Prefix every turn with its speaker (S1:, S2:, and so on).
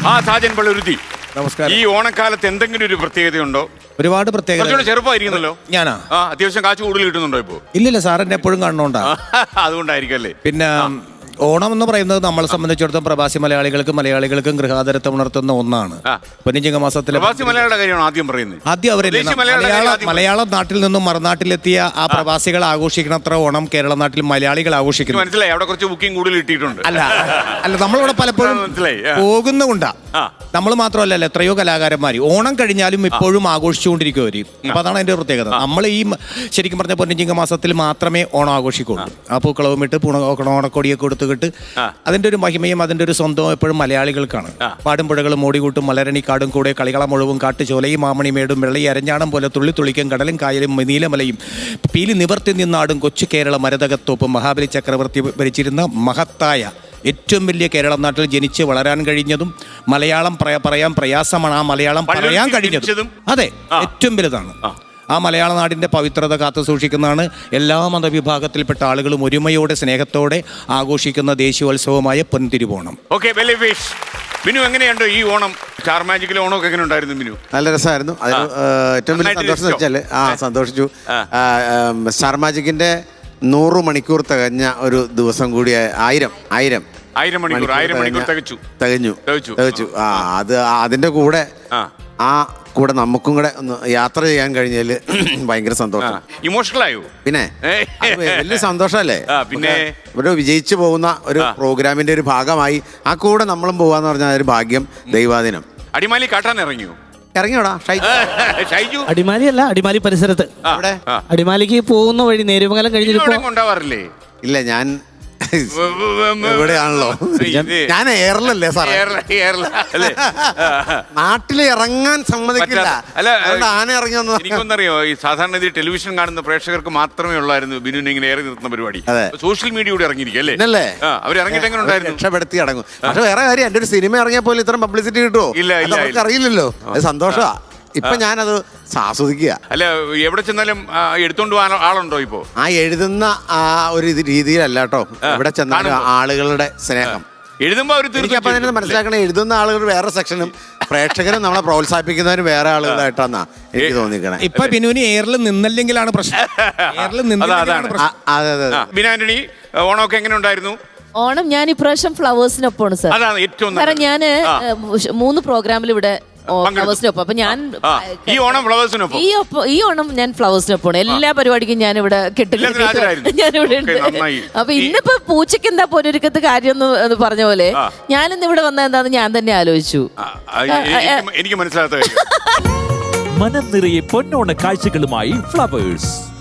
S1: സാജൻ പള്ളുരുത്തി,
S2: നമസ്കാരം.
S1: ഈ ഓണക്കാലത്ത് എന്തെങ്കിലും ഒരു പ്രത്യേകതയുണ്ടോ?
S2: ഒരുപാട് പ്രത്യേകത.
S1: കുറച്ചുകൂടെ ചെറുപ്പമായിരിക്കുന്നല്ലോ.
S2: ഞാനാ
S1: അത്യാവശ്യം കാശ് കൂടുതൽ കിട്ടുന്നുണ്ടോ ഇപ്പോ?
S2: ഇല്ലില്ല സാർ, എന്നെ എപ്പോഴും കാണണോണ്ടാ.
S1: അതുകൊണ്ടായിരിക്കും അല്ലേ.
S2: പിന്നെ ഓണം എന്ന് പറയുന്നത് നമ്മളെ സംബന്ധിച്ചിടത്തോളം പ്രവാസി മലയാളികൾക്കും ഗൃഹാതരത്വം ഉണർത്തുന്ന ഒന്നാണ്. പൊന്നിച്ചിങ്ങ മാസത്തിലെ
S1: പ്രവാസി മലയാളിയുടെ കാര്യമാണ് ആദ്യം പറയുന്നത്.
S2: ആദ്യം അവരല്ലേ മലയാളം നാട്ടിൽ നിന്നും മറുനാട്ടിലെത്തിയ ആ പ്രവാസികൾ ആഘോഷിക്കണത്ര ഓണം കേരള നാട്ടിൽ മലയാളികൾ ആഘോഷിക്കുന്നു.
S1: മനസ്സിലായി, അവിടെ കുറച്ച് ബുക്കിംഗ് കൂടുതൽ ഇട്ടിട്ടുണ്ട്.
S2: അല്ല നമ്മളിവിടെ പലപ്പോഴും പോകുന്നുകൊണ്ടാ. നമ്മൾ മാത്രമല്ലല്ലോ, എത്രയോ കലാകാരന്മാർ ഓണം കഴിഞ്ഞാലും ഇപ്പോഴും ആഘോഷിച്ചുകൊണ്ടിരിക്കും. അപ്പൊ അതാണ് അതിന്റെ പ്രത്യേകത. നമ്മൾ ഈ ശരിക്കും പറഞ്ഞ പൊന്നിച്ചിങ്ങ മാസത്തിൽ മാത്രമേ ഓണം ആഘോഷിക്കുള്ളൂ. ആ പൂക്കളവും ഇട്ട് ഓണക്കൊടിയൊക്കെ കൊടുത്തുകിട്ട് അതിന്റെ ഒരു മഹിമയും അതിന്റെ ഒരു സ്വന്തവും എപ്പോഴും മലയാളികൾക്കാണ്. പാടുമ്പുഴകളും ഓടികൂട്ടും മലരണി കാടും കൂടെ കളികളം മുഴുവൻ കാട്ടുചോലയും മാമണിമേടും വെള്ളി അരഞ്ഞാണം പോലെ തുള്ളി തുള്ളിക്കും കടലും കായലും നീലമലയും പീലി നിവർത്തി നിന്നാടും കൊച്ചു കേരള മരതകത്തോപ്പും മഹാബലി ചക്രവർത്തി ഭരിച്ചിരുന്ന മഹത്തായ ഏറ്റവും വലിയ കേരള നാട്ടിൽ ജനിച്ച് വളരാൻ കഴിഞ്ഞതും മലയാളം പറയാൻ പ്രയാസമാണ്. ആ മലയാളം പറയാൻ കഴിഞ്ഞതും അതെ ഏറ്റവും വലുതാണ്. ആ മലയാള നാടിൻ്റെ പവിത്രത കാത്തു സൂക്ഷിക്കുന്നതാണ് എല്ലാ മതവിഭാഗത്തിൽപ്പെട്ട ആളുകളും ഒരുമയോടെ സ്നേഹത്തോടെ ആഘോഷിക്കുന്ന ദേശീയോത്സവമായ പൊൻതിരുവോണം.
S1: മിനു, എങ്ങനെയുണ്ട് ഈ ഓണം? സ്റ്റാർ മാജിക്കിലെ ഓണമൊക്കെ എങ്ങനെ ഉണ്ടായിരുന്നു മിനു?
S3: നല്ല രസമായിരുന്നു. അതിന് ഏറ്റവും വലിയ സന്തോഷം എന്ന് വെച്ചാൽ സന്തോഷിച്ചു. സ്റ്റാർ മാജിക്കിന്റെ 100 മണിക്കൂർ തികഞ്ഞ ഒരു ദിവസം കൂടി. 1000 മണിക്കൂർ തികഞ്ഞു. അത് അതിന്റെ കൂടെ നമുക്കും കൂടെ ഒന്ന് യാത്ര ചെയ്യാൻ കഴിഞ്ഞാല് ഭയങ്കര സന്തോഷം.
S1: ഇമോഷണൽ ആയോ?
S3: പിന്നെ വലിയ സന്തോഷമല്ലേ.
S1: പിന്നെ
S3: ഇവിടെ വിജയിച്ചു പോകുന്ന ഒരു പ്രോഗ്രാമിന്റെ ഒരു ഭാഗമായി ആ കൂടെ നമ്മളും പോവാന്ന് പറഞ്ഞാൽ ഒരു ഭാഗ്യം, ദൈവാധീനം.
S1: അടിമാലി കാട്ടാൻ
S3: ഇറങ്ങിയോടാ
S1: ഷൈജു?
S4: അടിമാലി അല്ല, അടിമാലി പരിസരത്ത്. അടിമാലിക്ക് പോകുന്ന വഴി നേരുമംഗലം കഴിഞ്ഞിട്ട്.
S3: ഇല്ല, ഞാൻ ഇവിടെയാണല്ലോ. ഞാൻ എയറിലല്ലേ സാറേ, നാട്ടിൽ ഇറങ്ങാൻ സമ്മതിക്കില്ല. ആന ഇറങ്ങിയൊന്നും
S1: എനിക്കൊന്നറിയോ, ഈ സാധാരണ ഇത് ടെലിവിഷൻ കാണുന്ന പ്രേക്ഷകർക്ക് മാത്രമേ ഉള്ളായിരുന്നു ബിനുവിനെ ഇങ്ങനെ ഏറി നിർത്തുന്ന പരിപാടി. സോഷ്യൽ മീഡിയ കൂടെ ഇറങ്ങിയിരിക്കും അല്ലേ? അവർ ഇറങ്ങിയിട്ട് എങ്ങനെ ഉണ്ടായിരുന്നു?
S3: രക്ഷപ്പെടുത്തി അടങ്ങും. പക്ഷെ വേറെ കാര്യം, എന്റെ ഒരു സിനിമ ഇറങ്ങിയ പോലെ ഇത്രയും പബ്ലിസിറ്റി കിട്ടുമോ? ഇല്ല, അറിയില്ലല്ലോ. അത് സന്തോഷമാ. ഇപ്പൊ ഞാനത് ആസ്വദിക്കുക.
S1: അല്ല, എവിടെ ചെന്നാലും എടുത്തോണ്ട് പോകാൻ ആളുണ്ടോ ഇപ്പോ?
S3: ആ എഴുതുന്ന ആ ഒരു രീതിയിലല്ല കേട്ടോ, എവിടെ ചെന്നാലും ആളുകളുടെ സ്നേഹം.
S1: എഴുതുമ്പോ
S3: എനിക്കപ്പം തന്നെ മനസ്സിലാക്കണം, എഴുതുന്ന ആളുകൾ വേറെ സെക്ഷനും പ്രേക്ഷകരും നമ്മളെ പ്രോത്സാഹിപ്പിക്കുന്നവരും വേറെ ആളുകളായിട്ടാന്നാ എനിക്ക് തോന്നിക്കണേ.
S2: ഇപ്പൊ ബിനുവിന് എയറിൽ നിന്നല്ലെങ്കിലാണ് പ്രശ്നം.
S1: ബിനാന്റണി, ഓണമൊക്കെ എങ്ങനെ ഉണ്ടായിരുന്നു?
S5: ഓണം ഞാൻ ഇപ്രാവശ്യം ഫ്ലവേഴ്സിനൊപ്പമാണ് സാർ.
S1: അതാണ് ഏറ്റവും
S5: കാരണം ഞാൻ 3 പ്രോഗ്രാമിൽ ഇവിടെ ഫ്ലവേഴ്സിനൊപ്പം. അപ്പൊ ഞാൻ
S1: ഈ ഓണം ഫ്ലവേഴ്സിനൊപ്പം,
S5: ഈ ഓണം ഞാൻ ഫ്ലവേഴ്സിനൊപ്പമാണ്. എല്ലാ പരിപാടിക്കും ഞാൻ ഇവിടെ ഞാനിവിടെ ഉണ്ട്. അപ്പൊ ഇന്നിപ്പോ പൂച്ചയ്ക്ക് എന്താ പൊരുക്കത്ത് കാര്യം എന്ന് പറഞ്ഞ പോലെ ഞാനിന്ന് ഇവിടെ വന്ന എന്താന്ന് ഞാൻ തന്നെ ആലോചിച്ചു.
S1: എനിക്ക് മനസ്സിലാത്ത
S6: മനം നിറയെ പൊന്നോണ കാഴ്ചകളുമായി ഫ്ലവേഴ്സ്.